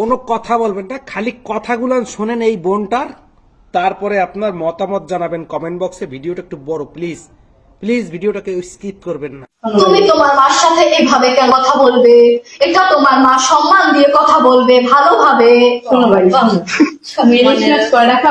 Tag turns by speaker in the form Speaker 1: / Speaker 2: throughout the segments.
Speaker 1: কোনো কথা বলবেন না, খালি কথাগুলো শোনেন এই বোনটার, তারপরে আপনার মতামত জানাবেন কমেন্ট বক্সে। ভিডিওটা একটু বড়, প্লিজ প্লিজ ভিডিওটাকে স্কিপ করবেন না।
Speaker 2: তুমি তোমার মার সাথে এভাবে কেন কথা বলবে? এটা তোমার মা সম্মান দিয়ে কথা বলবে, ভালোভাবে।
Speaker 3: শোনো ভাই, মেরিনেট করে রাখা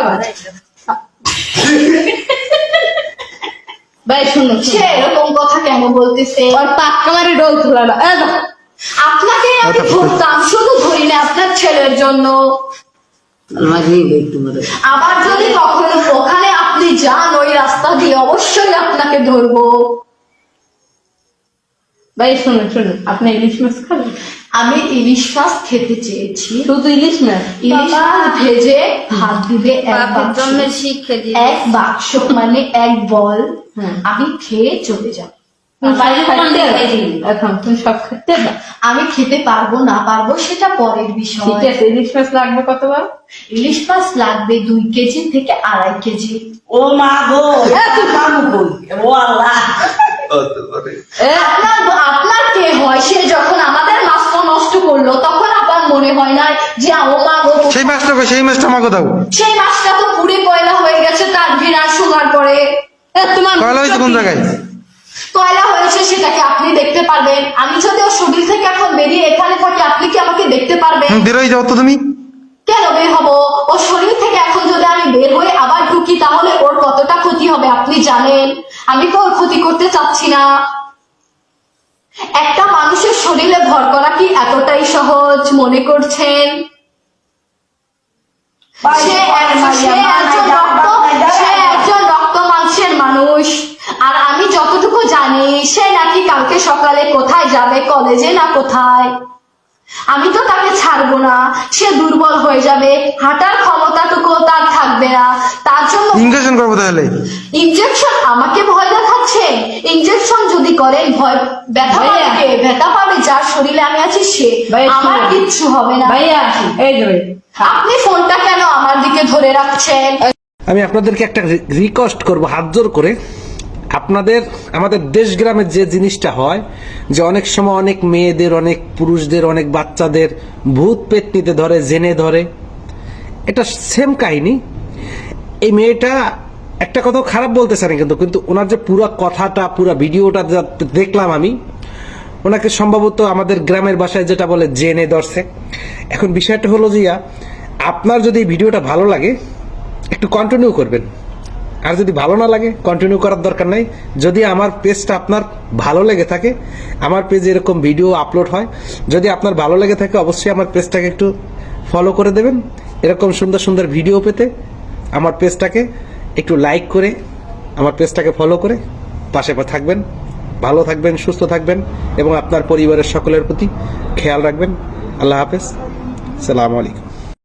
Speaker 3: ভাই, শোনো,
Speaker 2: সে এরকম কথা কেন বলতেছে?
Speaker 3: আর পাক্কা মারি ডোল তোলা না।
Speaker 2: আপনাকে আমি ধরতাম, শুধু ধরি না আপনার ছেলের জন্য। আবার যদি কখনো ওখানে আপনি যান ওই রাস্তা দিয়ে, অবশ্যই আপনাকে ধরবো।
Speaker 3: ভাই শোনো শোনো, আপনি ইলিশ মাছ খাবেন?
Speaker 2: আমি ইলিশ মাছ খেতে চেয়েছি,
Speaker 3: শুধু ইলিশ মাছ?
Speaker 2: ইলিশ মাছ ভেজে ভাত দিবে এক বাক্স, মানে এক বল। আমি খেয়ে চলে যাব।
Speaker 3: এখন তুমি সব খেতে দাও।
Speaker 2: আমি খেতে পারবো না পারবো সেটা পরের বিষয়।
Speaker 3: ঠিক আছে, ইলিশ মাছ লাগবে কতবার?
Speaker 2: ইলিশ মাছ লাগবে 2 কেজি থেকে 2.5 কেজি।
Speaker 4: ও মা গো, ও আল্লাহ।
Speaker 2: আপনার কে হয়? সে যখন আমাদের মাছটা নষ্ট করলো তখন আপনার মনে হয় না যে ও মা গো,
Speaker 1: সেই মাছটা আমাকে দাও।
Speaker 2: সেই মাছটা তো পুরে কয়লা হয়ে গেছে তার ঘৃণা শোনার পরে।
Speaker 3: তোমার
Speaker 1: কয়লা হয়েছে কোন জায়গায়?
Speaker 2: কয়লা হয়েছে সেটাকে আপনি দেখতে পারবেন। আমি যদি ওর শরীর থেকে এখন বেরিয়ে এখানে থাকি, আপনি কি আমাকে দেখতে পারবেন?
Speaker 1: বেরোই যাও তো তুমি।
Speaker 2: কেন বের হবো? ওর শরীর থেকে এখন যদি আমি বের হয়ে আবার ঢুকি তাহলে ওর কতটা ক্ষতি হবে আপনি জানেন। আমি তো ওর ক্ষতি করতে চাচ্ছি না। একটা মানুষের শরীরে ভর করা কি এতটাই সহজ মনে করছেন? সে একজন রক্ত মাংসের মানুষ। আর আমি যতটুকু জানি সে নাকি কালকে সকালে কোথায় যাবে, কলেজে না কোথায়। আমি তো তাকে ছাড়বো না। সে দুর্বল হয়ে যাবে, হাঁটার ক্ষমতাটুকু তার থাকবে না। তার জন্য
Speaker 1: ইনজেকশন করবো তাহলে।
Speaker 2: ইনজেকশন? আমাকে ভয় দেখাচ্ছে? ইনজেকশন যদি করেন ভয় ব্যথা পাবে যার শরীরে আমি আছি সে। আমার কিচ্ছু হবে না।
Speaker 3: ভাইয়া এই যে
Speaker 2: আপনি ফোনটা কেন আমার দিকে ধরে রাখছেন?
Speaker 1: আমি আপনাদেরকে একটা রিকোয়েস্ট করব, হাত জোর করে। আমাদের দেশ গ্রামের যে জিনিসটা হয়, যে অনেক সময় অনেক মেয়েদের, অনেক পুরুষদের, অনেক বাচ্চাদের ভূত পেতনিতে ধরে, জেনে ধরে। এটা সেম কাহিনী। এই মেয়েটা একটা কথা খারাপ বলতে চাই কিন্তু ওনার যে পুরো কথাটা, পুরো ভিডিওটা দেখলাম আমি, ওনাকে সম্ভবত আমাদের গ্রামের ভাষায় যেটা বলে জেনে ধরছে। এখন বিষয়টা হলো যে আপনার যদি এই ভিডিওটা ভালো লাগে একটু কন্টিনিউ করবেন, আর যদি ভালো না লাগে কন্টিনিউ করার দরকার নাই। যদি আমার পেজটা আপনার ভালো লেগে থাকে, আমার পেজে এরকম ভিডিও আপলোড হয়, যদি আপনার ভালো লেগে থাকে অবশ্যই আমার পেজটাকে একটু ফলো করে দেবেন। এরকম সুন্দর সুন্দর ভিডিও পেতে আমার পেজটাকে একটু লাইক করে, আমার পেজটাকে ফলো করে পাশে থাকবেন। ভালো থাকবেন, সুস্থ থাকবেন এবং আপনার পরিবারের সকলের প্রতি খেয়াল রাখবেন। আল্লাহ হাফেজ, আসসালামু আলাইকুম।